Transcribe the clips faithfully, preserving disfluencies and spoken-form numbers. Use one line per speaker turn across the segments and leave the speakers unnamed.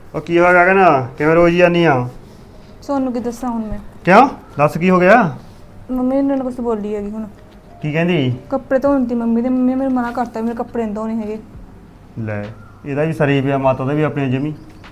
ਉਹ ਕੀ ਹੋ ਗਿਆ ਕਹਿੰਦਾ ਕਿਵੇਂ ਰੋਜ਼ ਹੀ ਆਨੀ ਆ?
ਤੁਹਾਨੂੰ ਕੀ ਦੱਸਾਂ ਹੁਣ ਮੈਂ?
ਕਿਉਂ ਦੱਸ ਕੀ ਹੋ ਗਿਆ?
ਮੰਮੀ ਨੇ ਕੁਝ ਬੋਲੀ ਹੈਗੀ ਹੁਣ।
ਕੀ ਕਹਿੰਦੀ?
ਕੱਪੜੇ ਧੋਣ ਦੀ ਮੰਮੀ ਦੇ ਮੰਮੀ ਨੇ ਮੈਨੂੰ ਮਨਾ ਕਰਤਾ ਮੇਰੇ ਕੱਪੜੇ ਨਹੀਂ ਧੋਣੇ ਹੈਗੇ।
ਲੈ ਇਹਦਾ ਵੀ ਸਰੀ ਪਿਆ ਮਾਤਾ ਦਾ ਵੀ ਆਪਣੀ ਜਮੀ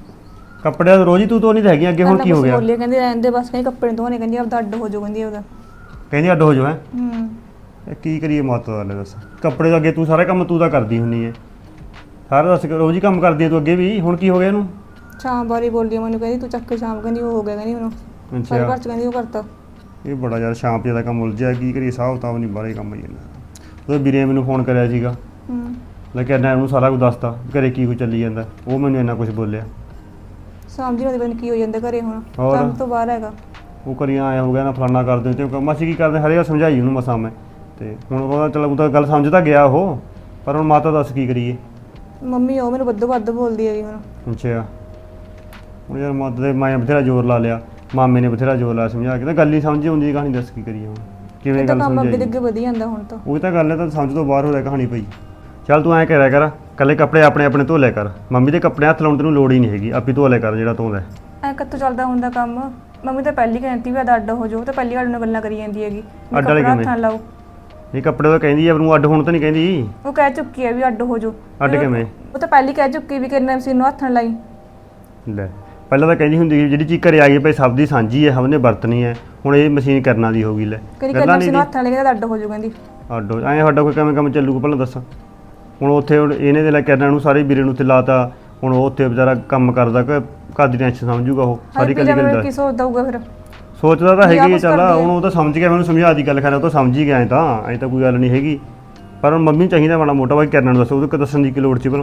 ਕੱਪੜੇ ਰੋਜ਼ ਹੀ ਤੂੰ ਧੋਣੀ ਤਾਂ ਹੈਗੀ ਅੱਗੇ ਹੁਣ ਕੀ ਹੋ ਗਿਆ?
ਬੋਲੀ ਕਹਿੰਦੀ ਰਹਿਣ ਦੇ ਬਸ, ਕਹਿੰਦੀ ਕੱਪੜੇ ਨਹੀਂ ਧੋਣੇ, ਕਹਿੰਦੀ ਆਪਦਾ ਅੱਡ ਹੋ ਜਾਓ, ਕਹਿੰਦੀ ਉਹਦਾ
ਕਹਿੰਦੀ ਅੱਡ ਹੋ ਜਾਓ। ਹੈ
ਹੂੰ
ਇਹ ਕੀ ਕਰੀਏ ਮਾਤਾ ਦਾ? ਲੈ ਦੱਸ ਕੱਪੜੇ ਤਾਂ ਅੱਗੇ ਤੂੰ ਸਾਰੇ ਕੰਮ ਤੂੰ ਤਾਂ ਕਰਦੀ ਹੁੰਨੀ ਹੈ, ਸਾਰਾ ਦੱਸ ਰੋਜ਼ ਹੀ ਕੰਮ ਕਰਦੀ ਹੈ ਤੂੰ ਅੱਗੇ ਵੀ, ਹੁਣ ਕੀ ਹੋ ਗਿਆ ਇਹਨੂੰ?
ਸ਼ਾਮ ਬਾਰੀ ਬੋਲੀ ਮੈਨੂੰ, ਕਹਿੰਦੀ ਤੂੰ ਚੱਕ ਕੇ ਸ਼ਾਮ, ਕਹਿੰਦੀ ਉਹ ਹੋ ਗਿਆ, ਕਹਿੰਦੀ ਉਹਨੂੰ ਸਾਰੇ ਘਰ ਚ ਕਹਿੰਦੀ ਉਹ ਕਰਤਾ।
ਇਹ ਬੜਾ ਯਾਰ ਸ਼ਾਮ ਜਿਆਦਾ ਕੰਮ ਉਲਝਿਆ, ਕੀ ਕਰੀਏ ਹਿਸਾਬ ਤਾਂ ਨਹੀਂ ਬਾਰੇ ਕੰਮ ਹੀ ਜਾਂਦਾ। ਉਹਦੇ ਵੀਰੇ ਮੈਨੂੰ ਫੋਨ ਕਰਿਆ ਸੀਗਾ,
ਹੂੰ
ਲੈ ਕੇ ਇਹਨਾਂ ਨੂੰ ਸਾਰਾ ਕੁਝ ਦੱਸਤਾ ਘਰੇ ਕੀ ਕੁਝ ਚੱਲੀ ਜਾਂਦਾ, ਉਹ ਮੈਨੂੰ ਇੰਨਾ ਕੁਝ ਬੋਲਿਆ।
ਸ਼ਾਮ ਜੀ ਨੂੰ ਪਤਾ ਕੀ ਹੋ ਜਾਂਦਾ ਘਰੇ ਹੁਣ,
ਹੋਰ?
ਕੰਮ ਤੋਂ ਬਾਹਰ ਹੈਗਾ।
ਉਹ ਕਰੀਆਂ ਆਇਆ ਹੋ ਗਿਆ ਨਾ ਫਲਾਨਾ ਕਰਦੇ ਤੇ ਮਾਸੀ ਕੀ ਕਰਦੇ ਹਰੇ ਸਮਝਾਈ ਉਹਨੂੰ ਮਸਾਂ ਮੈਂ, ਤੇ ਹੁਣ ਉਹਦਾ ਚਲ ਉਹ ਤਾਂ ਗੱਲ ਸਮਝ ਤਾਂ ਗਿਆ ਉਹ, ਪਰ ਹੁਣ ਮਾਤਾ ਦੱਸ ਕੀ ਕਰੀਏ?
ਮੰਮੀ ਉਹ ਮੈਨੂੰ ਵੱਧੋ ਵੱਧ ਬੋਲਦੀ ਹੈਗੀ ਹੁਣ।
ਅੱਛਾ ਹੁਣ ਯਾਰ ਮਾਤਾ ਦੇ ਮੈਂ ਬਥੇਰਾ ਜ਼ੋਰ ਲਾ ਲਿਆ, ਮਾਮੇ ਨੇ ਬਥੇਰਾ ਜ਼ੋਰ ਲਾਇਆ ਸਮਝਾ ਕੇ, ਤਾਂ ਗੱਲ ਹੀ ਸਮਝ ਆਉਂਦੀ ਕਹਾਣੀ, ਦੱਸ ਕੀ ਕਰੀਏ ਹੁਣ ਕਿਵੇਂ ਗੱਲ
ਕੰਮ ਅੱਗੇ
ਸਮਝਾਈ?
ਅੱਗੇ ਵਧੀ ਜਾਂਦਾ ਹੁਣ ਤਾਂ।
ਉਹ ਤਾਂ ਗੱਲ ਹੈ, ਤਾਂ ਸਮਝ ਤੋਂ ਬਾਹਰ ਹੋ ਰਿਹਾ ਕਹਾਣੀ ਪਈ। ਚੱਲ ਤੂੰ ਐਂ ਕਰਿਆ ਕਰ, ਕੱਲੇ ਕੱਪੜੇ ਆਪਣੇ ਆਪਣੇ ਧੋ ਲਿਆ ਕਰ, ਮੰਮੀ ਦੇ ਕੱਪੜੇ ਹੱਥ ਲਾਉਣ ਤੈਨੂੰ ਲੋੜ ਹੀ ਨਹੀਂ ਹੈਗੀ, ਆਪੀ ਧੋ ਲਿਆ ਕਰ ਜਿਹੜਾ ਧੋਂਦਾ।
ਐ ਕਿੱਥੋਂ ਚੱਲਦਾ ਹੁੰਦਾ ਕੰਮ? ਮੰਮੀ ਤਾਂ ਪਹਿਲੀ ਕਹਿੰਦੀ ਵੀ ਅੱਡ ਹੋ ਜਾਓ, ਤਾਂ ਪਹਿਲੀ ਵਾਰ ਨਾਲ ਗੱਲਾਂ ਕਰੀ ਜਾਂਦੀ ਹੈਗੀ
ਅੱਡ ਵਾਲੇ
ਹੱਥ ਨਾਲ ਲਾਓ।
ਇਹ ਕੱਪੜੇ ਤਾਂ ਕਹਿੰਦੀ ਆ ਨੂੰ ਅੱਡ ਹੋਣ ਤਾਂ ਨਹੀਂ ਕਹਿੰਦੀ,
ਉਹ ਕਹਿ ਚੁੱਕੀ ਹੈ ਵੀ ਅੱਡ ਹੋ ਜਾਓ।
ਅੱਡ ਕਿਵੇਂ?
ਉਹ ਤਾਂ ਪਹਿਲੀ ਕਹਿ ਚੁੱਕੀ ਵੀ ਕਿੰਨਾ ਮਸ਼ੀਨ ਨੂੰ ਹੱਥ ਨਾਲ ਲਾਈ।
ਲੈ ਪਹਿਲਾਂ ਤਾਂ ਕਹਿੰਦੀ ਹੁੰਦੀ ਸੀ ਜਿਹੜੀ ਚੀਜ਼ ਘਰੇ ਆ ਗਈ ਭਾਈ ਸਭ ਦੀ ਸਾਂਝੀ ਹੈ, ਸਭ ਨੇ ਵਰਤਣੀ ਹੈ, ਹੁਣ ਇਹ ਮਸ਼ੀਨ ਕਰਨਾ ਦੀ ਹੋ ਗਈ। ਲੈ
ਕਹਿੰਦੀ ਕਿੰਨਾ ਮਸ਼ੀਨ ਨੂੰ ਹੱਥ ਨਾਲ ਲੈ ਕੇ ਅੱਡ ਹੋ ਜਾਓ, ਕਹਿੰਦੀ
ਅੱਡ ਹੋ ਐਂ ਸਾਡਾ ਕੋਈ ਕਿਵੇਂ ਕੰਮ ਚੱਲੂਗਾ ਪਹਿਲਾਂ ਦੱਸ। ਹੁਣ ਉੱਥੇ ਹੁਣ ਇਹਨੇ ਦੇ ਲੈ ਕਰਨਾ ਨੂੰ ਸਾਰੇ ਵੀਰੇ ਨੂੰ ਉੱਥੇ ਲਾਤਾ, ਹੁਣ ਉਹ ਉੱਥੇ ਵਿਚਾਰਾ ਕੰਮ ਕਰਦਾ ਕਿ ਘਰ ਦੀ ਟੈਨਸ਼ਨ ਸਮਝੂਗਾ ਉਹ ਸਾਰੀ ਕੱਲੀ ਗੱਲ ਦਾ।
ਕੀ ਸੋਚਦਾ ਹੋਊਗਾ ਫਿਰ?
ਸੋਚਦਾ ਤਾਂ ਹੈਗੀ ਹੈ, ਚੱਲ ਹੁਣ ਉਹ ਤਾਂ ਸਮਝ ਗਿਆ, ਮੈਨੂੰ ਸਮਝਾ ਦੀ ਗੱਲ ਖੈਰ ਉਹ ਤਾਂ ਸਮਝ ਹੀ ਗਿਆ ਐਂ ਤਾਂ ਐਂ ਤਾਂ ਕੋਈ ਗੱਲ ਨਹੀਂ ਹੈਗੀ, ਪਰ ਹੁਣ ਮੰਮੀ ਚਾਹੀਦਾ ਮਾੜਾ ਮੋਟਾ ਬਾਈ ਕਰਨਾ ਨੂੰ ਦੱਸੋ, ਉਹਦੇ ਦੱਸਣ ਦੀ ਕੀ ਲੋੜ ਸੀ ਭਲਾ?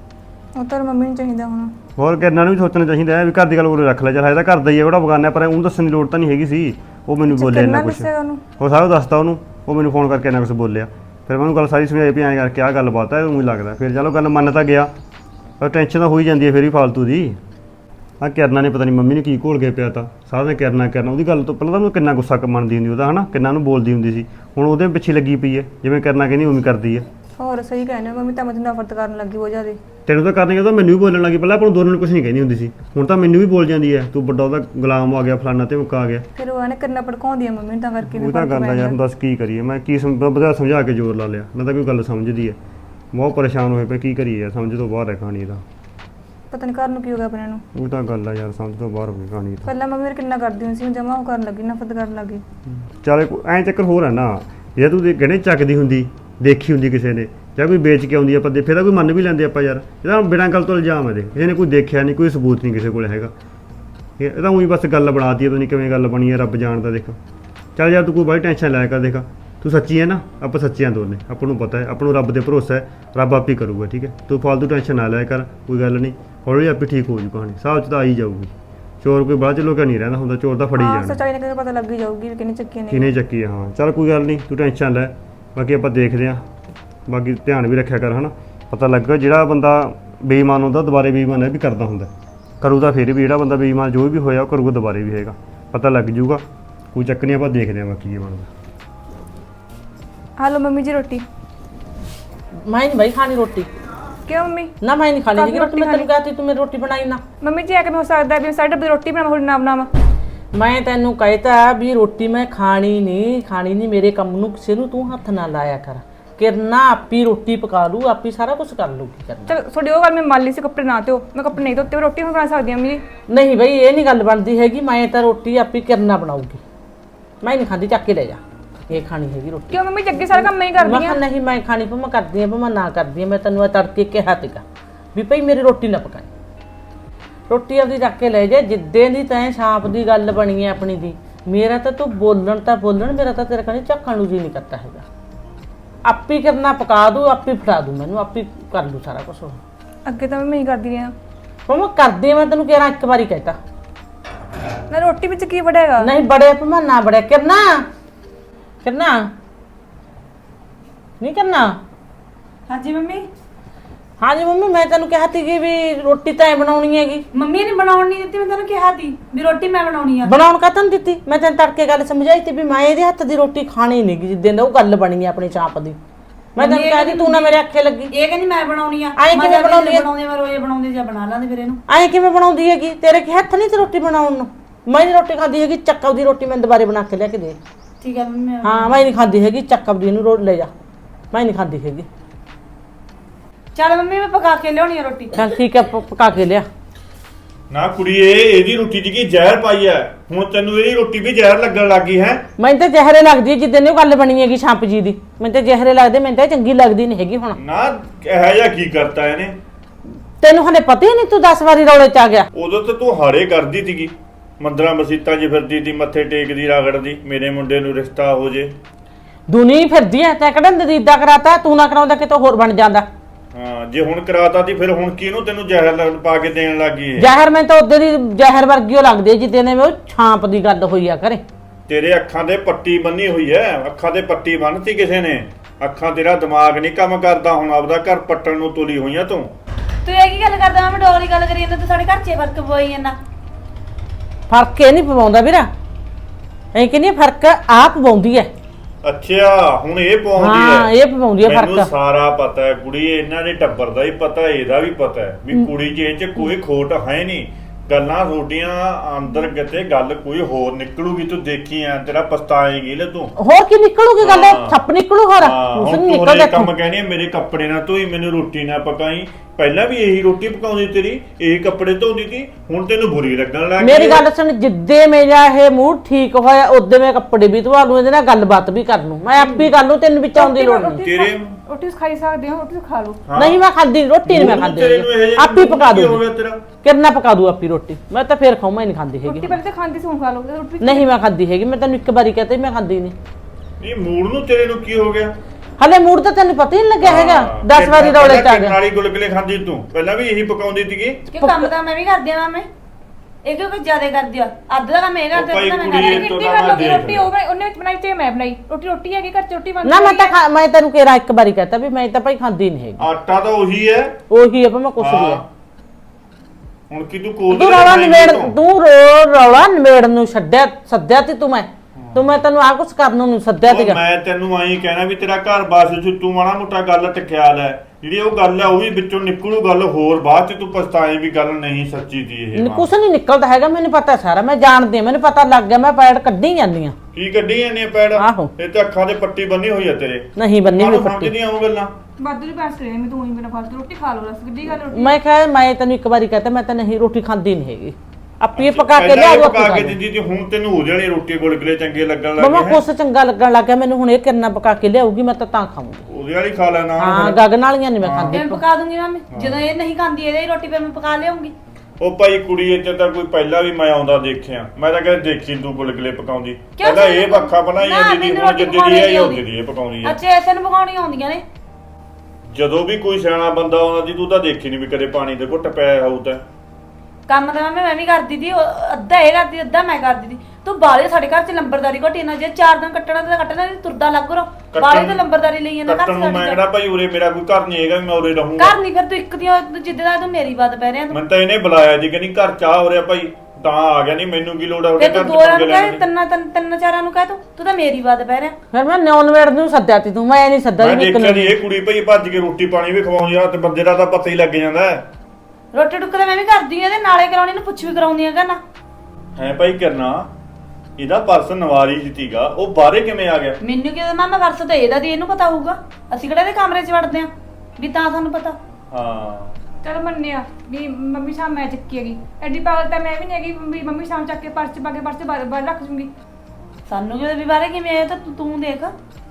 ਉਹ ਤਾਂ ਮੰਮੀ ਨੂੰ ਚਾਹੀਦਾ ਹੁਣ।
ਹੋਰ ਕਰਨਾ ਨੂੰ ਵੀ ਸੋਚਣਾ ਚਾਹੀਦਾ ਹੈ ਵੀ ਘਰ ਦੀ ਗੱਲ ਉਰੇ ਰੱਖ ਲੈ, ਚੱਲ ਇਹਦਾ ਘਰ ਦਾ ਹੀ ਹੈ ਉਹਦਾ ਬਗਾਨਾ, ਪਰ ਉਹਨੂੰ ਦੱਸਣ ਦੀ ਲੋੜ ਤਾਂ ਨਹੀਂ ਹੈਗੀ ਸੀ। ਉਹ ਮੈਨੂੰ ਬੋਲਿਆ ਇੰਨਾ ਕੁਛ, ਉਹ ਸਾਰਾ ਦੱਸਤਾ ਉਹਨੂੰ, ਉਹ ਮੈਨੂੰ ਫੋਨ ਕਰਕੇ ਇੰਨਾ ਕੁਛ ਬੋਲਿਆ, ਫਿਰ ਮੈਨੂੰ ਗੱਲ ਸਾਰੀ ਸਮਝਾਈ ਵੀ ਐਂ ਕਰਕੇ ਆਹ ਗੱਲ ਬਾਤ ਹੈ, ਉਹ ਹੀ ਲੱਗਦਾ ਫਿਰ ਚਲੋ ਗੱਲ ਮੰਨ ਤਾਂ ਗਿਆ, ਪਰ ਟੈਨਸ਼ਨ ਤਾਂ ਹੋ ਹੀ ਜਾਂਦੀ ਹੈ ਫਿਰ ਵੀ ਫਾਲਤੂ ਦੀ। ਆਹ ਕਿਰਨਾ ਨੇ ਪਤਾ ਨਹੀਂ ਮੰਮੀ ਨੇ ਕੀ ਘੋਲ ਕੇ ਪਿਆ, ਤਾਂ ਸਾਰਾ ਦਿਨ ਕਿਰਨਾ ਕਰਨਾ ਉਹਦੀ ਗੱਲ ਤੋਂ ਪਹਿਲਾਂ ਤਾਂ ਉਹਨੂੰ ਕਿੰਨਾ ਗੁੱਸਾ ਮੰਨਦੀ ਹੁੰਦੀ ਉਹਦਾ, ਹਨਾ ਕਿੰਨਾ ਨੂੰ ਬੋਲਦੀ ਹੁੰਦੀ ਸੀ, ਹੁਣ ਉਹਦੇ ਪਿੱਛੇ ਲੱਗੀ ਪਈ ਹੈ ਜਿਵੇਂ ਕਰਨਾ ਕਹਿੰਦੀ ਉਵੇਂ ਕਰਦੀ ਹੈ।
ਹੋਰ ਸਹੀ ਕਹਿੰਦੇ ਮੰਮੀ ਤਾਂ ਮੈਨੂੰ ਨਫ਼ਰਤ ਕਰਨ ਲੱਗੀ ਬਹੁਤ ਜ਼ਿਆਦਾ।
ਤੈਨੂੰ ਤਾਂ ਕਰਨੀ ਉਹ ਤਾਂ ਮੈਨੂੰ ਵੀ ਬੋਲਣ ਲੱਗੀ, ਪਹਿਲਾਂ ਆਪਾਂ ਨੂੰ ਦੋਨਾਂ ਨੂੰ ਕੁਝ ਨਹੀਂ ਕਹਿੰਦੀ ਹੁੰਦੀ ਸੀ, ਹੁਣ ਤਾਂ ਮੈਨੂੰ ਵੀ ਬੋਲ ਜਾਂਦੀ ਹੈ, ਤੂੰ ਵੱਡਾ ਉਹਦਾ ਗੁਲਾਮ ਆ ਗਿਆ ਫਲਾਨਾ ਤੇ ਮੁੱਕਾ ਆ ਗਿਆ।
ਫਿਰ ਉਹ ਇਹਨੇ ਕਿੰਨਾ ਭੜਕਾਉਂਦੀ ਹੈ ਮੰਮੀ ਤਾਂ ਕਰਕੇ।
ਉਹ ਤਾਂ ਗੱਲ ਆ ਯਾਰ, ਦੱਸ ਕੀ ਕਰੀਏ, ਮੈਂ ਕੀ ਬੜਾ ਸਮਝਾ ਕੇ ਜ਼ੋਰ ਲਾ ਲਿਆ, ਨਾ ਤਾਂ ਕੋਈ ਗੱਲ ਸਮਝਦੀ ਹੈ, ਬਹੁਤ ਪਰੇਸ਼ਾਨ ਹੋਏ ਪਏ, ਕੀ ਕਰੀਏ ਯਾਰ ਸਮਝ ਤੋਂ ਬਾਹਰ ਹੈ ਕਹਾਣੀ ਦਾ।
ਪਤਾ ਨਹੀਂ ਘਰ ਨੂੰ ਕੀ ਹੋ ਗਿਆ ਆਪਣੇ ਨੂੰ।
ਉਹ ਤਾਂ ਗੱਲ ਆ ਯਾਰ ਸਮਝ ਤੋਂ ਬਾਹਰ ਹੋ ਗਈ ਕਹਾਣੀ ਤਾਂ।
ਪਹਿਲਾਂ ਮੰਮੀ ਮੇਰੇ ਕਿੰਨਾ ਕਰਦੀ ਹੁੰਦੀ ਸੀ, ਜਮਾ ਉਹ ਕਰਨ ਲੱਗੀ, ਨਫ਼ਰਤ ਕਰਨ ਲੱਗੀ।
ਚੱਲ ਐਂ ਚੱਕਰ ਹੋਰ ਹੈ ਨਾ, ਜੇ ਤੂੰ ਗਹਿਣੇ ਚੱਕਦੀ ਹੁੰਦੀ ਦੇਖੀ ਹੁੰਦੀ ਕਿਸੇ ਨੇ ਜਾਂ ਕੋਈ ਵੇਚ ਕੇ ਆਉਂਦੀ ਆਪਾਂ ਦੇ, ਫਿਰ ਤਾਂ ਕੋਈ ਮੰਨ ਵੀ ਲੈਂਦੇ ਆਪਾਂ ਯਾਰ, ਇਹਦਾ ਬਿਨਾਂ ਗੱਲ ਤੋਂ ਇਲਜ਼ਾਮ ਹੈ ਦੇ, ਕਿਸੇ ਨੇ ਕੋਈ ਦੇਖਿਆ ਨਹੀਂ, ਕੋਈ ਸਬੂਤ ਨਹੀਂ ਕਿਸੇ ਕੋਲ ਹੈਗਾ, ਇਹ ਤਾਂ ਉਹੀ ਬਸ ਗੱਲ ਬਣਾਤੀ ਹੈ, ਪਤਾ ਨਹੀਂ ਕਿਵੇਂ ਗੱਲ ਬਣੀ ਹੈ, ਰੱਬ ਜਾਣਦਾ। ਦੇਖ ਚੱਲ ਯਾਰ ਤੂੰ ਕੋਈ ਬੜੀ ਟੈਨਸ਼ਨ ਲੈ ਕਰ, ਦੇਖ ਤੂੰ ਸੱਚੀ ਹੈ ਨਾ, ਆਪਾਂ ਸੱਚੀਆਂ ਦੋਨੇ, ਆਪਾਂ ਨੂੰ ਪਤਾ ਹੈ, ਆਪਾਂ ਨੂੰ ਰੱਬ ਦੇ ਭਰੋਸਾ ਹੈ, ਰੱਬ ਆਪ ਹੀ ਕਰੂਗਾ, ਠੀਕ ਹੈ, ਤੂੰ ਫਾਲਤੂ ਟੈਨਸ਼ਨ ਨਾ ਲਿਆ ਕਰ, ਕੋਈ ਗੱਲ ਨਹੀਂ, ਹੌਲੀ ਆਪੇ ਠੀਕ ਹੋ ਜੂ ਕਹਾਣੀ, ਹਿਸਾਬ 'ਚ ਤਾਂ ਆ ਹੀ ਜਾਊਗੀ। ਚੋਰ ਕੋਈ ਬਾਅਦ 'ਚ ਲੋਕਾਂ ਨਹੀਂ ਰਹਿੰਦਾ ਹੁੰਦਾ, ਚੋਰ ਤਾਂ ਫੜੀ ਜਾਣਾ।
ਸੱਚਾਈ ਨੇ ਕਿਵੇਂ ਪਤਾ ਲੱਗ ਹੀ ਜਾਊਗੀ ਕਿੰਨੇ ਚੱਕੀਆਂ ਨੇ,
ਕਿਹਨੇ ਚੱਕੀ ਆ। ਹਾਂ ਚੱਲ ਕੋਈ ਗੱਲ ਨਹੀਂ, ਤੂੰ ਟੈਨਸ਼ਨ ਲੈ, ਬਾਕੀ ਆਪਾਂ ਦੇਖਦੇ ਹਾਂ, ਬਾਕੀ ਧਿਆਨ ਵੀ ਰੱਖਿਆ ਕਰ, ਹੈ ਨਾ, ਪਤਾ ਲੱਗਾ ਜਿਹੜਾ ਬੰਦਾ ਬੇਈਮਾਨ ਹੁੰਦਾ ਦੁਬਾਰੇ ਬੇਈਮਾਨ ਹੈ ਵੀ ਕਰਦਾ ਹੁੰਦਾ, ਕਰੂ ਤਾਂ ਫਿਰ ਵੀ ਜਿਹੜਾ ਬੰਦਾ ਬੇਈਮਾਨ ਜੋ ਵੀ ਹੋਇਆ ਉਹ ਕਰੂਗਾ ਦੁਬਾਰੇ ਵੀ ਹੈਗਾ, ਪਤਾ ਲੱਗ ਜੂਗਾ, ਕੋਈ ਚੱਕ ਨਹੀਂ, ਆਪਾਂ ਦੇਖਦੇ ਹਾਂ ਬਾਕੀ ਕੀ ਬਣਦਾ।
ਹਲੋ ਮੰਮੀ ਜੀ ਰੋਟੀ।
मैं नहीं भाई खानी रोटी।
क्यों मम्मी?
ना मैं नहीं खानी
कब
रोटी,
रोटी
मैं तेन
खानी?
कहती तू मेरी रोटी बनाई ना।
मम्मी जी आके मैं हो सकता है साढ़े डब्बे रोटी बना थोड़ी ना बनावा।
मैं तेनू कहता भी रोटी मैं खानी नहीं खानी नहीं, मेरे कम नू किसी नू तू हथ ना लाया कर, किरना आपी रोटी पका लू, आपी सारा कुछ कर लूगी करना।
चल थोड़ी वो गल मैं माली से कपड़े ना धो, मैं कपड़े नहीं धोते रोटी मैं बना सकती मम्मी जी।
नहीं भाई ये नहीं गल बनती हैगी, मैं तो रोटी आपी किरना बनाऊगी, मैं नहीं खाती, चक के ले जा, ये खानी हैगी रोटी।
क्यों मम्मी जग्गी सारा काम मैं ही कर दी
मैं नहीं मैं खानी पर मैं करदी हां, पर मैं ना करदी हां, मैं तेनू तड़के कहा सीगा भी भाई मेरी रोटी ना पकाई, रोटी आपदी चक के ले जा, जिद्दे दी तैं छाप दी गल बनी है अपनी दी, मेरा तो तू बोलन तां बोलन, मेरा तो तेरे कने झक्कण नूं जी नहीं करता हैगा, आपी करना पका दूँ, आपी फड़ा दूँ, मैनू आपी कर लूँ सारा कुछ।
अगे तो मैं ही करदी रही
पर मैं करदी मैं तेनू कह एक बारी कहता
मैं रोटी विच की बढ़ेगा
नहीं बड़े पर मैं ना बड़े करना करना नहीं करना।
हाँ जी मम्मी।
हाँ जी मम्मी, मैं तेन कहा थी कि भी रोटी तैं बनाउणी हैगी।
मम्मी ने बनाउण नहीं दित्ती, मैं तेन कहा थी भी रोटी मैं बनाउणी है।
बनाउण काहतों नहीं दित्ती, मैं तेन तड़के गल समझाई थी भी मैं इहदे हत्थ दी रोटी खानी नहीं, जिद्दां दा ओह गल बनी है अपनी चांप दी, ਮੈਂ ਤੈਨੂੰ ਕਹਿੰਦੀ ਤੂੰ ਨਾ ਮੇਰੇ ਅੱਖੇ ਲੱਗੀ।
ਇਹ ਕਹਿੰਦੀ ਮੈਂ ਬਣਾਉਣੀ ਆ।
ਐਂ ਕਿਵੇਂ ਬਣਾਉਣੀ ਆ?
ਬਣਾਉਂਦੇ ਮੈਂ ਰੋਜ਼ ਬਣਾਉਂਦੇ ਜਾਂ ਬਣਾ ਲਾਂਦੇ ਫਿਰ ਇਹਨੂੰ।
ਐਂ ਕਿਵੇਂ ਬਣਾਉਂਦੀ ਹੈਗੀ? ਤੇਰੇ ਕੀ ਹੱਥ ਨਹੀਂ ਤੇ ਰੋਟੀ ਬਣਾਉਣ ਨੂੰ? ਮੈਂ ਨਹੀਂ ਰੋਟੀ ਖਾਂਦੀ ਹੈਗੀ। ਚੱਕਬ ਦੀ ਰੋਟੀ ਮੈਂ ਦੁਬਾਰੇ ਬਣਾ ਕੇ ਲਿਆ ਕੇ ਦੇ।
ਠੀਕ ਹੈ ਮੰਮੀ।
ਹਾਂ ਮੈਂ ਨਹੀਂ ਖਾਂਦੀ ਹੈਗੀ ਚੱਕਬ ਦੀ, ਇਹਨੂੰ ਰੋਟ ਲੈ ਜਾ। ਮੈਂ ਨਹੀਂ ਖਾਂਦੀ ਹੈਗੀ।
ਚੱਲ ਮੰਮੀ ਮੈਂ ਪਕਾ ਕੇ ਲਿਆਉਣੀ ਆ ਰੋਟੀ।
ਚੱਲ ਠੀਕ ਹੈ ਪ- ਪਕਾ ਕੇ ਲਿਆ।
ਨਾ ਕੁੜੀਏ, ਇਹਦੀ ਰੋਟੀ 'ਚ ਕੀ ਜ਼ਹਿਰ ਪਾਈ ਐ? ਹੁਣ ਤੈਨੂੰ ਇਹਦੀ ਰੋਟੀ ਵੀ ਜ਼ਹਿਰ ਲੱਗਣ ਲੱਗੀ ਹੈ।
ਮੈਨੂੰ ਤਾਂ ਜ਼ਹਿਰੇ ਲੱਗਦੀ ਹੈ ਜਿੱਦਣ ਉਹ ਗੱਲ ਬਣੀ ਹੈਗੀ ਛੰਪ ਜੀ ਦੀ। ਮੈਨੂੰ ਤਾਂ ਜ਼ਹਿਰੇ ਲੱਗਦੇ, ਮੈਨੂੰ ਤਾਂ ਇਹ ਚੰਗੀ ਲੱਗਦੀ ਨਹੀਂ ਹੈਗੀ। ਹੁਣ
ਨਾ ਇਹੋ ਜਿਹਾ ਕੀ ਕਰਤਾ ਇਹਨੇ?
ਤੈਨੂੰ ਹਲੇ ਪਤਾ ਹੀ ਨਹੀਂ, ਤੂੰ ਦਸ ਵਾਰੀ ਰੌਲੇ ਚ ਆ ਗਿਆ।
ਉਦੋਂ ਤਾਂ ਤੂੰ ਹਾਰੇ ਕਰਦੀ ਸੀਗੀ, ਮੰਦਰਾਂ ਮਸੀਤਾਂ 'ਚ ਫਿਰਦੀ ਸੀ, ਮੱਥੇ ਟੇਕਦੀ ਰਗੜਦੀ, ਮੇਰੇ ਮੁੰਡੇ ਨੂੰ ਰਿਸ਼ਤਾ ਹੋ ਜੇ।
ਦੁਨੀ ਫਿਰਦੀ ਐ ਤੈਂ ਕਿਹੜਾ ਨਦੀਦਾ ਕਰਾਤਾ? ਤੂੰ ਨਾ ਕਰਾਉਂਦਾ ਕਿਤੋਂ ਹੋਰ ਬਣ ਜਾਂਦਾ।
ਹਾਂ, ਜੇ ਹੁਣ ਕਰਾਤਾ ਤੀ ਫਿਰ ਹੁਣ ਕਿਹਨੂੰ ਤੈਨੂੰ ਜ਼ਹਿਰ ਲ- ਪਾ ਕੇ ਦੇਣ ਲੱਗੀ ਏ?
ਜ਼ਹਿਰ ਮੈਂ ਤਾਂ ਉਦੋਂ ਦੀ ਜ਼ਹਿਰ ਵਰਗੀ ਓ ਲੱਗਦੀ ਹੈ ਜਿੱਦੇ ਨੇ ਉਹ ਛਾਂਪ ਦੀ ਗੱਲ ਹੋਈ ਆ ਘਰੇ।
ਤੇਰੇ ਅੱਖਾਂ ਤੇ ਪੱਟੀ ਬੰਨੀ ਹੋਈ ਐ, ਅੱਖਾਂ ਤੇ ਪੱਟੀ ਬੰਨਤੀ ਕਿਸੇ ਨੇ। ਅੱਖਾਂ ਤੇਰਾ ਦਿਮਾਗ ਨਹੀਂ ਕੰਮ ਕਰਦਾ ਹੁਣ, ਆਪਦਾ ਘਰ ਪੱਟਣ ਨੂੰ ਤੁਲੀ ਹੋਈਆਂ ਤੂੰ।
ਤੂੰ ਇਹ ਕੀ ਗੱਲ ਕਰਦਾ? ਮੈਂ ਡੋਲੀ ਗੱਲ ਕਰੀ ਜਾਂਦਾ, ਤੂੰ ਸਾਡੇ ਘਰ 'ਚ ਫਰਕ ਪਵਾਈ ਜਾਂਦਾ।
ਫਰਕ ਇਹ ਨਹੀਂ ਪਵਾਉਂਦਾ ਵੀਰਾ, ਐਂ ਕਹਿੰਦੀ ਫਰਕ ਆਪ ਪਵਾਉਂਦੀ ਐ।
ਅੱਛਾ, ਹੁਣ ਇਹ ਪਾਉਂਦੀ
ਹਾਂ
ਐ।
ਇਹ ਪਵਾਉਂਦੀ ਐ
ਮੈਨੂੰ
ਫਰਕ।
ਸਾਰਾ ਪਤਾ ਹੈ ਕੁੜੀ, ਇਹਨਾਂ ਦੇ ਟੱਬਰ ਦਾ ਹੀ ਪਤਾ, ਇਹਦਾ ਵੀ ਪਤਾ ਹੈ ਵੀ ਕੁੜੀ 'ਚ ਇਹ 'ਚ ਕੋਈ ਖੋਟ ਹੈ ਨਹੀਂ। ਗੱਲਾਂ ਤੁਹਾਡੀਆਂ ਅੰਦਰ ਕਿਤੇ ਗੱਲ ਕੋਈ ਹੋਰ ਨਿਕਲੂਗੀ, ਤੂੰ ਦੇਖੀ ਆ, ਤੇਰਾ ਪਛਤਾਏਗੀ ਲੈ ਤੂੰ।
ਹੋਰ ਕੀ ਨਿਕਲੂਗੀ ਗੱਲ?
ਹਾਂ।
ਸੱਪ ਨਿਕਲੂ ਹੋਰ
ਹਾਂ,
ਉਸ
ਹੁਣ
ਨੂੰ
ਤੂੰ
ਨਿਕਲ
ਇਹ
ਜਾ।
ਕੰਮ ਕਹਿਣੀ ਮੇਰੇ ਕੱਪੜੇ ਨਾ ਧੋਈ, ਮੈਨੂੰ ਰੋਟੀ ਨਾ ਪਕਾਈ। ਪਹਿਲਾਂ ਵੀ ਇਹੀ ਰੋਟੀ ਪਕਾਉਂਦੀ ਤੇਰੀ, ਇਹੀ ਕੱਪੜੇ ਧੋਂਦੀ ਸੀ, ਹੁਣ ਤੈਨੂੰ ਬੁਰੀ ਲੱਗਣ ਲੱਗ ਗਈ।
ਮੇਰੀ ਗੱਲ ਸੁਣ, ਜਿੱਦੇ ਮੇਰਾ ਇਹ ਮੂਡ ਠੀਕ ਹੋਇਆ ਉਦੋਂ ਮੈਂ ਕੱਪੜੇ ਵੀ ਧਵਾ ਲੂੰ, ਇਹਦੇ ਨਾਲ ਗੱਲਬਾਤ ਵੀ ਕਰ ਲੂੰ, ਮੈਂ ਆਪੇ ਕਰ ਲੂੰ, ਤੈਨੂੰ ਵਿੱਚ ਆਉਣ ਦੀ ਲੋੜ ਨਹੀਂ।
ਤੇਰੇ
ਰੋਟੀ ਖਾਈ ਸਕਦੇ ਹੋ, ਰੋਟੀ ਖਾ ਲਓ।
ਹਾਂ।
ਨਹੀਂ ਮੈਂ ਖਾਂਦੀ ਰੋਟੀ ਨਹੀਂ, ਮੈਂ ਖਾਂਦੀ
ਤੇਰੇ ਨੂੰ ਇਹ ਜਿਹਾ
ਆਪੇ ਪਕਾ
ਕੀ ਹੋ
ਦੂੰ।
ਗਿਆ ਤੇਰਾ?
ਕਿੰਨਾ ਪਕਾ ਦੂੰ ਆਪੀ ਰੋਟੀ, ਮੈਂ ਤਾਂ ਫੇਰ ਖਾਉ, ਮੈਂ ਨਹੀਂ ਖਾਂਦੀ
ਰੋਟੀ
ਹੈਗੀ।
ਪਹਿਲੇ ਤਾਂ ਖਾਂਦੀ ਸੀ, ਹੁਣ ਖਾ ਲਓ ਰੋਟੀ।
ਨਹੀਂ ਮੈਂ ਖਾਂਦੀ ਹੈਗੀ, ਮੈਂ ਤੈਨੂੰ ਇੱਕ ਵਾਰੀ ਕਹਤਾ ਮੈਂ ਖਾਂਦੀ ਨਹੀਂ।
ਨਹੀਂ, ਮੂਡ ਨੂੰ ਤੇਰੇ ਨੂੰ ਕੀ ਹੋ ਗਿਆ?
ਹਲੇ ਮੂਡ ਤਾਂ ਤੈਨੂੰ ਪਤਾ ਹੀ ਨਹੀਂ ਲੱਗਿਆ ਹੈਗਾ,
ਹਾਂ,
ਦਸ ਵਾਰੀ ਰੌਲੇ ਚ ਆ ਗਿਆ।
ਨਾਲੀ ਗੁਲਗੁਲੇ ਖਾਂਦੀ ਤੂੰ, ਪਹਿਲਾਂ ਵੀ ਇਹੀ ਪਕਾਉਂਦੀ ਸੀਗੀ।
ਕਿ ਕੰਮ ਤਾਂ ਮੈਂ ਵੀ ਕਰਦੀ ਆ ਮਾਮੇ। ਇਹ ਕਿਉਂ ਕੁਝ ਜ਼ਿਆਦਾ ਕਰਦੀ ਆ? ਅੱਧ ਦਾ ਕੰਮ ਇਹ ਕਰਦੀ ਆ,
ਉਹ ਭਾਈ
ਅੱਧ ਦਾ ਮੈਂ
ਕੁੜੀ
ਕਰਦੀ ਆ।
ਇਹ ਤੋਂ
ਕਿੱਟੀ
ਨਾ
ਕਰ ਲਓ,
ਦੇਖ
ਰੋਟੀ ਉਹ ਮੈਂ- ਉਹਨੇ ਵਿੱਚ ਬਣਾਈ ਤੇ ਮੈਂ ਬਣਾਈ। ਰੋਟੀ ਰੋਟੀ ਹੈਗੀ ਘਰ ਚ, ਰੋਟੀ ਬਣ
ਨਾ ਮੈਂ ਤਾਂ ਖਾ- ਮੈਂ ਤੈਨੂੰ ਕਿਹਾ ਇੱਕ ਵਾਰੀ ਕਹਤਾ ਵੀ ਮੈਂ ਤਾਂ ਭਾਈ ਖਾਂਦੀ ਨਹੀਂ ਹੈਗੀ।
ਆਟਾ ਤਾਂ ਉਹੀ ਹੈ।
ਉਹੀ ਆ ਭਾਵੇਂ ਕੁਛ ਵੀ ਆ।
ਹੁਣ ਕੀ ਤੂੰ ਕੋਲ
ਤੂੰ ਰੌਲਾ ਨਿਬੇੜ, ਤੂੰ ਰੋ- ਰੌਲਾ ਨਿਬੇੜ ਨੂੰ ਛੱਡਿਆ ਸੱਦਿਆ ਤੇ ਤੂੰ ਮੈਂ ਤੂੰ ਮੈਂ ਤੈਨੂੰ ਆ ਕੁਛ ਕਰਨ ਨੂੰ ਸੱਦਿਆ
ਉਹ
ਤੀਗਾ।
ਮੈਂ ਤੈਨੂੰ ਆਈ ਕਹਿਣਾ ਵੀ ਤੇਰਾ ਘਰ ਬਸ ਚ ਤੂੰ ਮਾੜਾ ਮੋਟਾ ਗੱਲ ਟਕਿਆ ਲੈ, ਜਿਹੜੀ ਉਹ ਗੱਲ ਹੈ ਉਹ ਵੀ ਵਿੱਚੋਂ ਨਿਕਲੂ ਗੱਲ ਹੋਰ, ਬਾਅਦ ਚ ਤੂੰ ਪਛਤਾਏ ਵੀ ਗੱਲ ਨਹੀਂ ਸੱਚੀ ਸੀ ਇਹ।
ਕੁਛ ਨਹੀਂ ਨਿਕਲਦਾ ਹੈਗਾ, ਮੈਨੂੰ ਪਤਾ ਸਾਰਾ, ਮੈਂ ਜਾਣਦੀ ਹਾਂ, ਮੈਨੂੰ ਪਤਾ ਲੱਗ ਗਿਆ, ਮੈਂ ਪੈੜ ਕੱਢੀ ਜਾਂਦੀ ਆ।
ਕੀ ਕੱਢੀ ਜਾਂਦੀ ਆ ਪੈੜ?
ਆਹੋ।
ਇਹ ਤੇ ਅੱਖਾਂ ਤੇ ਪੱਟੀ ਬੰਨੀ ਹੋਈ ਆ ਤੇਰੇ।
ਨਹੀਂ ਬੰਨੀ ਹੋਈ
ਤੁਹਾਨੂੰ
ਪੱਟੀ।
ਸਮਝਦੀਆਂ ਉਹ ਗੱਲਾਂ?
ਬਾਦੂ ਦੀ ਪਾਸ ਕਰੇ ਮੈਂ ਤੂੰ ਹੀ ਬਿਨਾ ਫਾਲਤੂ ਰੋਟੀ ਖਾ ਲਓ, ਰਸ ਕਿੱਡੀ ਗੱਲ ਰੋਟੀ।
ਮੈਂ ਕਿਹਾ ਮੈਂ ਤੈਨੂੰ ਇੱਕ ਵਾਰੀ ਕਹਤਾ ਮੈਂ ਤਾਂ ਨਹੀਂ ਰੋਟੀ ਖਾਂਦੀ ਨਹੀਂ ਹੈਗੀ, ਆਪੇ ਪਕਾ ਕੇ
ਪਹਿਲਾਂ
ਲਿਆ
ਇਹ
ਦੋ
ਪਕਾ ਕੇ ਦਿੰਦੀ ਤੇ ਹੁਣ ਤੈਨੂੰ ਉਹਦੇ ਵਾਲੀ ਰੋਟੀ ਗੁਲਗੁਲੇ ਚੰਗੇ ਲੱਗਣ
ਮਮਾ
ਲੱਗੇ
ਕੁਛ ਚੰਗਾ ਲੱਗਣ ਲੱਗ ਗਿਆ ਮੈਨੂੰ, ਹੁਣ ਇਹ ਕਿੰਨਾ ਪਕਾ ਕੇ ਲਿਆਊਗੀ ਮੈਂ ਤਾਂ ਤਾਂ ਖਾਊਂਗੀ।
ਉਹਦੇ ਵਾਲੀ ਖਾ ਲੈਣਾ।
ਹਾਂ ਗਗਨ ਵਾਲੀਆਂ ਨਹੀਂ ਮੈਂ ਖਾਂਦੀ।
ਮੈਂ ਪਕਾ ਦੂੰਗੀ ਮਾਮੇ, ਜਦੋਂ ਇਹ ਨਹੀਂ ਖਾਂਦੀ ਇਹਦੇ ਹੀ ਰੋਟੀ ਫਿਰ ਮੈਂ ਪਕਾ ਲਿਆਉਂਗੀ।
ਉਹ ਭਾਈ ਕੁੜੀ ਇੱਥੇ ਤਾਂ ਕੋਈ ਪਹਿਲਾਂ ਵੀ ਮੈਂ ਆਉਂਦਾ ਦੇਖਿਆ, ਮੈਂ ਤਾਂ ਕਹਿੰਦਾ ਦੇਖੀ ਤੂੰ ਗੁਲਗੁਲੇ ਪਕਾਉਂਦੀ।
ਕਿਉਂ
ਕਹਿੰਦਾ ਇਹ
ਸਾਨੂੰ-
ਪੱਖਾ ਬਣਾਈ
ਨਾ,
ਜਾਂਦੀ
ਮੈਨੂੰ
ਹੁਣ
ਰੋਟੀ
ਜਿੱਦੀ
ਪਕਾਉਣੀ
ਦੀ ਇਹ
ਨਹੀਂ
ਹੁੰਦੀ ਦੀ ਇਹ ਪਕਾਉਂਦੀ ਹੈ।
ਅੱਛਾ ਐਸੇ ਨੂੰ ਪਕਾਉਣੀਆਂ ਆਉਂਦੀਆਂ ਨੇ।
ਜਦੋਂ ਵੀ ਕੋਈ ਸਿਆਣਾ ਬੰਦਾ ਆਉਂਦਾ ਜੀ ਤੂੰ ਤਾਂ ਦੇਖੀ ਨਹੀਂ ਵੀ ਕਦੇ ਪਾਣੀ ਦੇ ਘੁੱਟ ਪਿਆ ਹੋਊ ਤਾਂ।
ਕੰਮ ਤਾਂ ਮਾਮੇ ਮੈਂ ਵੀ ਕਰਦੀ ਸੀ, ਉਹ ਅੱਧਾ ਇਹ ਕਰਦੀ ਅੱਧਾ ਮੈਂ ਕਰਦੀ ਸੀ। ਤੂੰ ਬਾਲੇ ਸਾਡੇ ਘਰ ਚ ਲੰਬਰਦਾਰੀ ਘਟੀ ਨਾ, ਜੇ ਚਾਰ ਦਿਨ ਕੱਟਣਾ ਤਾਂ ਕੱਟਣਾ ਨਹੀਂ, ਤੁਰਦਾ ਲੱਗ ਰੋ ਬਾਲੇ ਤੇ ਲੰਬਰਦਾਰੀ ਲਈ ਜਾਂਦਾ ਘਰ
ਕੱਟਣ ਨੂੰ ਮੈਂ ਕਿਹੜਾ ਭਾਈ ਉਰੇ ਮੇਰਾ ਕੋਈ ਘਰ ਨਹੀਂ ਹੈਗਾ ਵੀ ਮੈਂ ਉਰੇ ਰਹੂੰਗਾ।
ਘਰ ਨਹੀਂ ਫਿਰ ਤੂੰ ਇੱਕ ਦੀਆਂ ਜਿੱਦੇ ਦਾ ਤੂੰ ਮੇਰੀ ਬਾਤ ਪੈ ਰਿਹਾ ਤੂੰ।
ਮੈਨੂੰ ਤਾਂ ਇਹਨੇ ਬੁਲਾਇਆ ਜੀ, ਕਹਿੰਦੀ ਘਰ ਚਾਹ ਹੋ ਰਿਹਾ ਭਾਈ, ਤਾਂ ਆ ਗਿਆ, ਨਹੀਂ ਮੈਨੂੰ ਕੀ ਲੋੜ ਹੈ ਉਹਦੇ
ਫਿਰ
ਘਰ
ਤੂੰ
ਚ
ਦੋ ਰਾਂ
ਪੰਗੇ
ਨੂੰ
ਲੈਣ
ਕਹਿ
ਦੀ।
ਤਿੰਨਾਂ ਤਿੰਨ ਤਿੰਨ ਚਾਰਾਂ ਨੂੰ ਕਹਿ ਤੂੰ ਤੂੰ ਤਾਂ ਮੇਰੀ ਬਾਤ ਪੈ ਰਿਹਾ।
ਫਿਰ ਮੈਂ ਨੌਨ ਵੇੜ ਨੂੰ ਸੱਦਿਆ ਤੀ ਤੂੰ, ਮੈਂ ਨਹੀਂ ਸੱਦਿਆ
ਮੈਂ
ਜੀ
ਦੇਖਿਆ ਜੀ ਇਹ ਕੁੜੀ ਭਾਈ ਭੱਜ ਕੇ ਰੋਟੀ ਪਾਣੀ ਵੀ ਖਵਾਉਂਦੀ ਆ ਤੇ ਬੰਦੇ ਦਾ ਤਾਂ ਪਤਾ ਹੀ ਲੱਗ ਜਾਂਦਾ ਹੈ।
ਰੋਟੀ ਟੁੱਕ ਤਾਂ ਮੈਂ ਵੀ ਕਰਦੀ ਆ, ਇਹਦੇ ਨਾਲੇ ਕਰਾਉਣੀ ਨੂੰ ਪੁੱਛ ਵੀ ਕਰਾਉਂਦੀ ਆ ਕਰਨਾ।
ਹੈ ਭਾਈ ਕਰਨਾ ਇਹਦਾ ਪਰਸ ਨਵਾਰੀ ਚ ਸੀਗਾ, ਉਹ ਬਾਹਰੇ ਕਿਵੇਂ ਆ ਗਿਆ?
ਮੈਨੂੰ ਕਿਹਾ ਮਾਮਾ ਵਰਸ ਤਾਂ ਇਹਦਾ ਦੀ ਇਹਨੂੰ ਪਤਾ ਹੋਊਗਾ, ਅਸੀਂ ਕਿਹੜੇ ਦੇ ਕਮਰੇ 'ਚ ਵੜਦੇ ਆ ਵੀ ਤਾਂ ਸਾਨੂੰ ਪਤਾ।
ਹਾਂ
ਚਲ ਮੰਨਿਆ ਵੀ ਮੰਮੀ ਸ਼ਾਮ ਮੈਂ ਚੱਕੀ ਹੈਗੀ, ਐਡੀ ਪਾਗਲ ਤਾਂ ਮੈਂ ਵੀ ਨਹੀਂ ਹੈਗੀ ਵੀ ਮੰਮੀ ਸ਼ਾਮ ਚੱਕ ਕੇ ਪਰਸ ਚ ਪਾ ਕੇ ਪਰਸ ਬਾਹਰ ਬਾਹਰ ਰੱਖ ਜੂੰਗੀ।
ਸਾਨੂੰ ਕਿਹਦੇ ਵੀ ਬਾਰੇ ਕਿਵੇਂ ਆਇਆ ਤਾਂ ਤੂੰ- ਤੂੰ ਦੇਖ।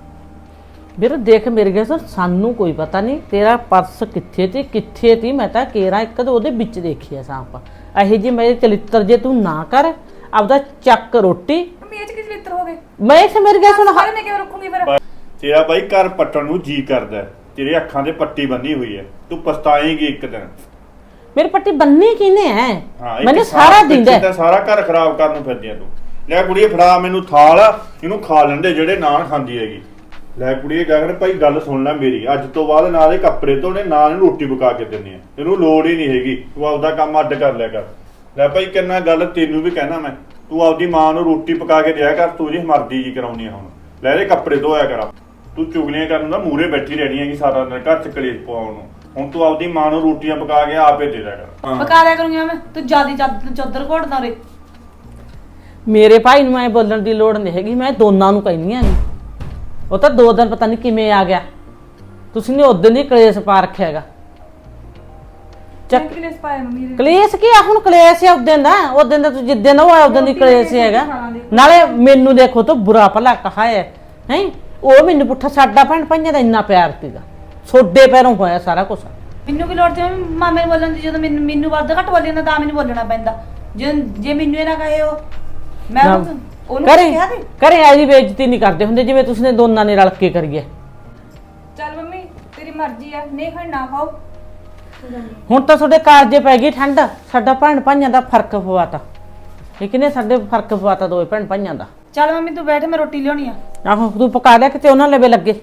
ਵੀਰ ਦੇਖ ਮੇਰੇ ਗਿਆ ਸਰ, ਸਾਨੂੰ ਕੋਈ ਪਤਾ ਨਹੀਂ ਤੇਰਾ ਪਰਸ ਕਿੱਥੇ ਤੇ ਕਿੱਥੇ ਤੀ, ਮੈਂ ਤਾਂ ਕੇਰਾ ਇੱਕ ਤਾਂ ਉਹਦੇ ਵਿੱਚ ਦੇਖਿਆ ਸਾਂਪ। ਇਹੋ ਜੀ ਮੇਰੇ ਚਲਿੱਤਰ ਜੇ ਤੂੰ ਨਾ ਕਰ, ਆਪਦਾ ਚੱਕ ਰੋਟੀ।
ਮੰਮੀ ਇਹ ਚ ਕਿਸ ਲਿੱਤਰ ਹੋ ਗਏ?
ਮੈਂ ਇਸ ਮੇਰੇ ਗਿਆ ਸੁਣ,
ਸਾਰੇ ਮੈਂ ਕਿਉਂ ਰੱਖੂੰਗੀ ਫਿਰ?
ਤੇਰਾ ਬਾਈ ਘਰ ਪੱਟਣ ਨੂੰ ਜੀ ਕਰਦਾ ਹੈ, ਤੇਰੇ ਅੱਖਾਂ ਤੇ ਪੱਟੀ ਬੰਨੀ ਹੋਈ ਹੈ, ਤੂੰ ਪਛਤਾਏਂਗੀ ਇੱਕ ਦਿਨ।
ਮੇਰੀ ਪੱਟੀ ਬੰਨੀ ਕਿਨੇ ਹੈ?
ਹਾਂ ਇਹ
ਮੈਨੂੰ ਸਾਰਾ ਦਿਨ
ਤਾਂ ਸਾਰਾ ਘਰ ਖਰਾਬ ਕਰਨ ਨੂੰ ਫਿਰਦੀ ਆ ਤੂੰ। ਲੈ ਕੁੜੀਏ ਫੜਾ ਮੈਨੂੰ ਥਾਲ, ਇਹਨੂੰ ਖਾ ਲੈਂਦੇ ਜਿਹੜੇ ਨਾਨ ਖਾਂਦੀ ਹੈਗੀ। ਲੈ ਕੁੜੀਏ ਗਗਨ ਭਾਈ ਗੱਲ ਸੁਣ ਲੈ ਮੇਰੀ, ਅੱਜ ਤੋਂ ਬਾਅਦ ਨਾ ਦੇ ਕੱਪੜੇ ਧੋਣੇ ਨਾ ਇਹਨੂੰ ਰੋਟੀ ਪਕਾ ਕੇ ਦਿੰਨੀ ਆ, ਤੈਨੂੰ ਲੋੜ ਹੀ ਨਹੀਂ ਹੈਗੀ, ਤੂੰ ਆਪਦਾ ਕੰਮ ਅੱਡ ਕਰ ਲਿਆ ਕਰ। ਲੈ ਭਾਈ ਕਿੰਨਾ ਗੱਲ ਤੈਨੂੰ ਵੀ ਕਹਿਣਾ ਮੈਂ, ਤੂੰ ਆਪਦੀ ਮਾਂ ਨੂੰ ਰੋਟੀ ਪਕਾ ਕੇ ਦਿਆ ਕਰ, ਤੂੰ ਜੀ ਮਰਦੀ ਜੀ ਕਰਾਉਣੀ ਆ ਹੁਣ। ਲੈ ਇਹਦੇ ਕੱਪੜੇ ਧੋਇਆ ਕਰ।
ਤੂੰ ਚੁਗਲੀਆਂ ਕਰਨ ਦਾ ਮੂਰੇ ਬੈਠੀ ਰਹਿਣੀ ਹੈਗੀ ਸਾਰਾ ਦਿਨ ਘਰ ਚ ਕਲੇਸ਼ ਪਵਾਉਣ ਨੂੰ। ਹੁਣ ਤੂੰ ਆਪਦੀ ਮਾਂ ਨੂੰ ਰੋਟੀਆਂ ਪਕਾ ਕੇ ਆਪੇ ਦੇ ਦਿਆ ਕਰ।
ਪਕਾ ਦਿਆ ਕਰੂੰਗੀ ਮੈਂ, ਤੂੰ ਜਿਆਦੀ ਚੱਦਰ ਘੋੜਦਾ ਰੇ।
ਮੇਰੇ ਭਾਈ ਨੂੰ ਐ ਬੋਲਣ ਦੀ ਲੋੜ ਨਹੀਂ ਹੈਗੀ, ਮੈਂ ਦੋਨਾਂ ਨੂੰ ਕਹਿੰਦੀ ਆ ਨਹੀਂ। ਉਹ ਤਾਂ ਦੋ ਦਿਨ ਪਤਾ ਨਹੀਂ ਕਿਵੇਂ ਆ ਗਿਆ, ਤੁਸੀਂ ਨੇ ਉਦੋਂ ਦੀ ਕਲੇਸ਼ ਪਾ ਰੱਖਿਆ ਹੈਗਾ।
ਚੱਕ ਕਲੇਸ਼ ਪਾਇਆ ਮੰਮੀ ਦੇ।
ਕਲੇਸ਼ ਕੀ ਆ ਹੁਣ, ਕਲੇਸ਼ ਹੈ ਉਦੋਂ ਦਾ, ਉਦੋਂ ਦਾ ਤੂੰ ਜਿੱਦਾਂ ਦਾ ਹੋਇਆ ਉਦੋਂ ਦੀ ਕਲੇਸ਼ ਹੈਗਾ। ਨਾਲੇ ਮੈਨੂੰ ਦੇਖੋ ਤੂੰ ਬੁਰਾ ਭਲਾ ਕਹਾ ਹੈ ਹੈ ਉਹ ਮੈਨੂੰ ਪੁੱਠਾ, ਸਾਡਾ ਭੈਣ ਭਾਈਆਂ ਦਾ ਇੰਨਾ ਪਿਆਰ ਸੀਗਾ, ਛੋਡੇ ਪੈਰੋਂ ਹੋਇਆ ਸਾਰਾ ਕੁਝ।
ਮੈਨੂੰ ਕੀ ਲੋੜ ਤੇ ਮਾਮੇ ਨੂੰ ਬੋਲਣ ਦੀ, ਜਦੋਂ ਮੈਨੂੰ ਮੈਨੂੰ ਵੱਧ ਘੱਟ ਬੋਲੀ ਜਾਂਦਾ ਤਾਂ ਮੈਨੂੰ ਬੋਲਣਾ ਪੈਂਦਾ। ਜੇ ਜੇ ਮੈਨੂੰ ਇਹ ਨਾ ਕਹੇ ਉਹ ਮੈਂ ਉਹਨੂੰ ਉਹਨੂੰ
ਕਰੇ
ਕਿਹਾ ਤੇ
ਕਰੇ ਐਜੀ ਬੇਇੱਜ਼ਤੀ ਨਹੀਂ ਕਰਦੇ ਹੁੰਦੇ ਜਿਵੇਂ ਤੁਸੀਂ ਨੇ ਦੋਨਾਂ ਨੇ ਰਲ ਕੇ ਕਰੀਏ।
ਚੱਲ ਮੰਮੀ ਤੇਰੀ ਮਰਜ਼ੀ ਆ, ਨਹੀਂ ਖਾਣ ਨਾ ਖਾਓ।
ਹੁਣ ਤਾਂ ਤੁਹਾਡੇ ਕਾਲਜੇ ਪੈ ਗਈ ਠੰਡ, ਸਾਡਾ ਭੈਣ ਭਾਈਆਂ ਦਾ ਫਰਕ ਪਵਾਤਾ। ਠੀਕ ਨੇ, ਸਾਡੇ ਫਰਕ ਪਵਾਤਾ ਦੋਵੇਂ ਭੈਣ ਭਾਈਆਂ ਦਾ।
ਚੱਲ ਮੰਮੀ ਤੂੰ ਬੈਠ, ਮੈਂ ਰੋਟੀ ਲਿਆਉਣੀ ਆ।
ਆਹੋ ਤੂੰ ਪਕਾ ਲਿਆ ਕਿਤੇ ਉਹਨਾਂ ਲਵੇ ਲੱਗੇ।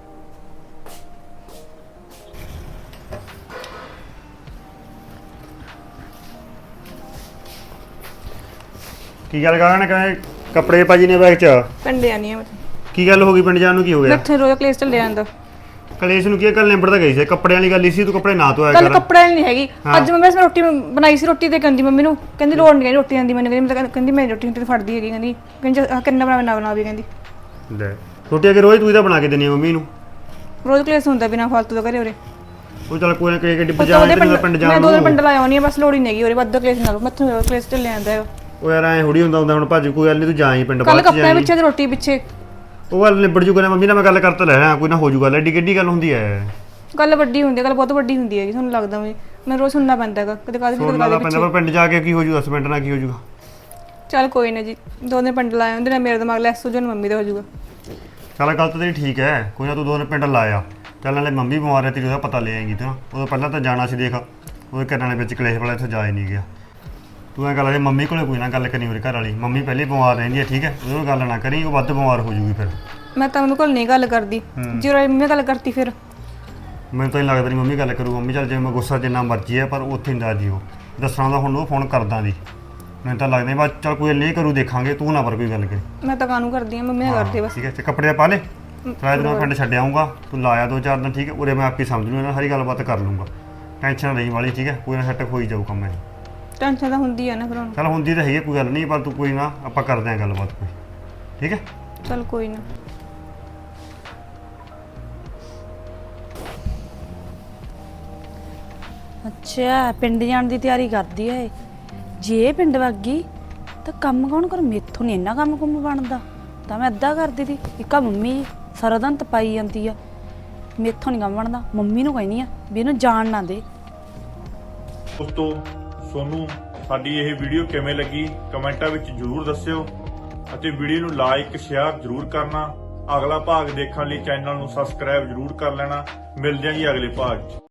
ਕੀ ਗੱਲ ਕਰਾਂ ਨੇ ਕਹੇ ਕੱਪੜੇ ਭਾਜੀ ਨੇ ਬੈਗ 'ਚ?
ਪਿੰਡ ਜਾਣੀ ਆ ਮੈਂ,
ਕੀ ਗੱਲ ਹੋ ਗਈ ਪਿੰਡ ਜਾਣ ਨੂੰ, ਕੀ ਹੋ ਗਿਆ?
ਇੱਥੇ ਰੋਜ਼ ਕਲੇਸ਼ ਚੱਲਿਆ ਜਾਂਦਾ।
ਕਲੇਸ਼ ਨੂੰ ਕੀ ਕੱਲ ਨਿਬੜ ਤਾਂ ਗਈ ਸੀ, ਕੱਪੜਿਆਂ ਵਾਲੀ ਗੱਲ ਹੀ ਸੀ, ਤੂੰ ਕੱਪੜੇ ਨਾ ਧੋਇਆ
ਕੱਲ
ਕਰ।
ਕੱਪੜਾ ਨਹੀਂ ਹੈਗੀ,
ਹਾਂ।
ਅੱਜ ਮੰਮੀ ਨੇ ਰੋਟੀ ਬਣਾਈ ਸੀ, ਰੋਟੀ ਤੇ ਕਹਿੰਦੀ ਮੰਮੀ ਨੂੰ, ਕਹਿੰਦੀ ਲੋੜ ਨਹੀਂ ਰੋਟੀ ਆਂਦੀ ਮੈਨੂੰ, ਕਹਿੰਦੀ ਮੈਂ ਤਾਂ ਕਹਿੰਦੀ ਮੈਂ ਰੋਟੀ ਰੋਟੀ ਫੜਦੀ ਹੈਗੀ, ਕਹਿੰਦੀ ਕਹਿੰਦੀ ਆਹ ਕਿੰਨਾ ਬਣਾ ਨਾ ਬਣਾ ਵੀ, ਕਹਿੰਦੀ
ਲੈ ਰੋਟੀ ਅਗੇ ਰੋਜ਼ ਤੂੰ ਹੀ ਤਾਂ ਬਣਾ ਕੇ ਦਿੰਦੀ ਆ ਮੰਮੀ ਨੂੰ।
ਰੋਜ਼ ਕਲੇਸ਼ ਹੁੰਦਾ ਬਿਨਾ ਫਾਲਤੂ ਦਾ ਘਰੇ ਉਰੇ।
ਉਹ ਚੱਲ ਕੋਈ ਨਾ ਕੋਈ ਗੱਡੀ
ਉਹ ਤਾਂ
ਬਜਾ
ਉਹਦੇ
ਕੇ
ਪਿੰਡ
ਪਿੰਡ
ਮੈਂ
ਜਾਣ
ਦੋ ਦਿਨ ਪਿੰਡ
ਨੂੰ।
ਲਾਇਆ ਹੋਣੀ ਆ, ਬਸ ਲੋੜ ਹੀ ਨਹੀਂ ਹੈਗੀ ਉਰੇ ਵੱਧ ਕਲੇਸ਼ ਨਾਲ, ਮੱਥੋਂ ਰੋਜ਼ ਕਲੇਸ਼ ਚੱਲਿਆ ਜਾਂਦਾ ਹੈ।
ਉਹ ਯਾਰ ਐ ਹੁੜੀ ਹੁੰਦਾ ਹੁੰਦਾ ਹੁਣ ਭਾਜੀ, ਕੋਈ ਗੱਲ ਨਹੀਂ ਤੂੰ ਜਾਈ ਪਿੰਡ
ਕੱਲ
ਬਾਅਦ ਚ
ਕੱਪੜਿਆਂ
ਜਾਈਂ।
ਪਿੱਛੇ ਤੇ ਰੋਟੀ ਪਿੱਛੇ
ਉਹ ਗੱਲ ਨਿਬੜ ਜੂਗਾ ਨਾ, ਮੰਮੀ ਨਾਲ ਮੈਂ ਗੱਲ ਕਰਤਾ ਲੈ ਰਿਹਾ, ਕੋਈ ਨਾ ਹੋ ਜੂਗਾ। ਐਡੀ ਕਿੱਡੀ ਗੱਲ ਹੁੰਦੀ ਐ?
ਗੱਲ ਵੱਡੀ ਹੁੰਦੀ ਹੈ, ਗੱਲ ਬਹੁਤ ਵੱਡੀ ਹੁੰਦੀ ਹੈਗੀ, ਤੁਹਾਨੂੰ ਲੱਗਦਾ ਮੈਂ ਮੈਨੂੰ ਰੋਜ਼ ਸੁਣਨਾ ਪੈਂਦਾ ਹੈਗਾ, ਕਦੇ ਕਾਹਦੇ ਕਦੇ
ਸੁਣਨਾ
ਕਾਹਦੇ
ਤਾਂ ਪੈਂਦਾ, ਪਰ
ਪਿੱਛੇ।
ਪਿੰਡ ਜਾ ਕੇ ਕੀ ਹੋ ਜੂਗਾ, ਹਸਬੈਂਡ ਨਾਲ ਕੀ ਹੋ ਜੂਗਾ।
ਚੱਲ ਕੋਈ ਨਾ ਜੀ, ਦੋ ਦਿਨ ਪਿੰਡ ਲਾਇਆ ਉਹਦੇ ਨਾਲ ਮੇਰਾ ਦਿਮਾਗ ਲੈਸ ਹੋ ਜਾਣਾ, ਮੰਮੀ ਦਾ ਹੋ ਜਾਊਗਾ।
ਚੱਲ ਗੱਲ ਤਾਂ ਤੇਰੀ ਠੀਕ ਹੈ, ਕੋਈ ਨਾ ਤੂੰ ਦੋ ਦਿਨ ਪਿੰਡ ਲਾਇਆ। ਚੱਲ ਨਾਲੇ ਮੰਮੀ ਬਿਮਾਰ ਹੈ ਤੇਰੀ, ਉਹਦਾ ਪਤਾ ਲੈ ਆਏਂਗੀ ਤੂੰ। ਉਦੋਂ ਪਹਿਲਾਂ ਤਾਂ ਜਾਣਾ ਸੀ, ਦੇਖ ਉਹਦੇ ਘਰਾਂ ਦੇ ਵਿੱਚ ਕਲੇਸ਼ ਵਾਲਾ ਇੱਥੇ ਜਾ ਹੀ ਨਹੀਂ ਗਿਆ। ਤੂੰ ਐਂ ਗੱਲ ਹੈ ਮੰਮੀ ਕੋਲੇ ਕੋਈ ਨਾ ਗੱਲ ਕਰੀ ਉਰੇ ਘਰ ਵਾਲੀ, ਮੰਮੀ ਪਹਿਲੇ ਬਿਮਾਰ ਰਹਿੰਦੀ ਹੈ, ਠੀਕ ਹੈ, ਉਹਦੇ ਨਾਲ ਗੱਲ ਨਾ ਕਰੀ, ਉਹ ਵੱਧ ਬਿਮਾਰ ਹੋ ਜੂਗੀ ਫਿਰ।
ਮੈਂ ਤਾਂ ਮੰਮੀ ਕੋਲ ਨਹੀਂ ਗੱਲ ਕਰਦੀ, ਜੇ ਉਹ ਮੰਮੀ ਗੱਲ ਕਰਤੀ ਫਿਰ
ਮੈਨੂੰ ਤਾਂ ਨਹੀਂ ਲੱਗਦਾ ਨਹੀਂ ਮੰਮੀ ਗੱਲ ਕਰੂ। ਮੰਮੀ ਚੱਲ ਜਿਵੇਂ ਮੈਂ ਗੁੱਸਾ ਜਿੰਨਾ ਮਰਜ਼ੀ ਹੈ, ਪਰ ਉੱਥੇ ਨਹੀਂ ਦੱਸਦੀ ਉਹ, ਦੱਸਣਾ ਤਾਂ ਹੁਣ ਉਹ ਫੋਨ ਕਰਦਾ ਦੀ। ਮੈਨੂੰ ਤਾਂ ਲੱਗਦਾ ਬਸ ਚੱਲ ਕੋਈ ਨਹੀਂ ਕਰੂ, ਦੇਖਾਂਗੇ, ਤੂੰ ਨਾ ਪਰ ਕੋਈ ਗੱਲ ਕਰੀ।
ਮੈਂ ਤਾਂ ਕਾਹਨੂੰ ਕਰਦੀ ਆ, ਮੰਮੀ ਨਾਲ ਕਰਦੀ ਬਸ।
ਠੀਕ ਹੈ, ਤੇ ਕੱਪੜੇ ਪਾ ਲੈ, ਸਾਰਾ ਦਿਨ ਮੈਂ ਪਿੰਡ ਛੱਡ ਆਊਂਗਾ, ਤੂੰ ਲਾਇਆ ਦੋ ਚਾਰ ਦਿਨ, ਠੀਕ ਹੈ, ਉਰੇ ਮੈਂ ਆਪੇ ਸਮਝ ਲੂੰ, ਇਹਨਾਂ ਸਾਰੀ ਗੱਲਬਾਤ ਕਰ ਲੂੰਗਾ। ਟੈਨਸ਼ਨ ਨਹੀਂ ਵਾਲੀ, ਠੀਕ ਹੈ, ਕੋਈ ਨਾ ਸੈੱਟ ਹੋਈ ਜਾਊ ਕੰਮ ਇਹ।
ਟੈਨਸ਼ਨ ਤਾਂ ਹੁੰਦੀ ਆ ਨਾ ਫਿਰ ਹੁਣ।
ਚੱਲ ਹੁੰਦੀ ਤਾਂ ਹੈਗੀ, ਕੋਈ ਗੱਲ ਨਹੀਂ, ਪਰ ਤੂੰ ਕੋਈ ਨਾ ਆਪਾਂ ਕਰਦੇ ਆਂ ਗੱਲਬਾਤ ਕੋਈ, ਠੀਕ ਹੈ।
ਚੱਲ ਕੋਈ ਨਾ।
ਅੱਛਾ ਪਿੰਡ ਜਾਣ ਦੀ ਤਿਆਰੀ ਕਰਦੀ ਐ। ਜੇ ਇਹ ਪਿੰਡ ਵਗ ਗਈ ਤਾਂ ਕੰਮ ਕੌਣ ਕਰੂ? ਮੇਥੋਂ ਨਹੀਂ ਇੰਨਾ ਕੰਮ ਕੁੰਮ ਬਣਦਾ, ਤਾਂ ਮੈਂ ਅੱਧਾ ਕਰਦੀ ਤੀ। ਇੱਕਾ ਮੰਮੀ ਸਾਰਾ ਦਿਨ ਤਪਾਈ ਜਾਂਦੀ ਆ, ਮੇਥੋਂ ਨਹੀਂ ਕੰਮ ਬਣਦਾ। ਮੰਮੀ ਨੂੰ ਕਹਿੰਦੀ ਆ ਵੀ ਇਹਨੂੰ ਜਾਣ ਨਾ ਦੇ।
ਦੋਸਤੋ ਸੋਨੂੰ ਸਾਡੀ ਇਹ ਵੀਡੀਓ ਕਿਵੇਂ ਲੱਗੀ ਕਮੈਂਟਾਂ ਵਿੱਚ ਜ਼ਰੂਰ ਦੱਸਿਓ, ਅਤੇ ਵੀਡੀਓ ਨੂੰ ਲਾਈਕ ਸ਼ੇਅਰ ਜ਼ਰੂਰ ਕਰਨਾ। ਅਗਲਾ ਭਾਗ ਦੇਖਣ ਲਈ ਚੈਨਲ ਨੂੰ ਸਬਸਕ੍ਰਾਈਬ ਜ਼ਰੂਰ ਕਰ ਲੈਣਾ। ਮਿਲਦੇ ਹਾਂ ਜੀ ਅਗਲੇ ਭਾਗ 'ਚ।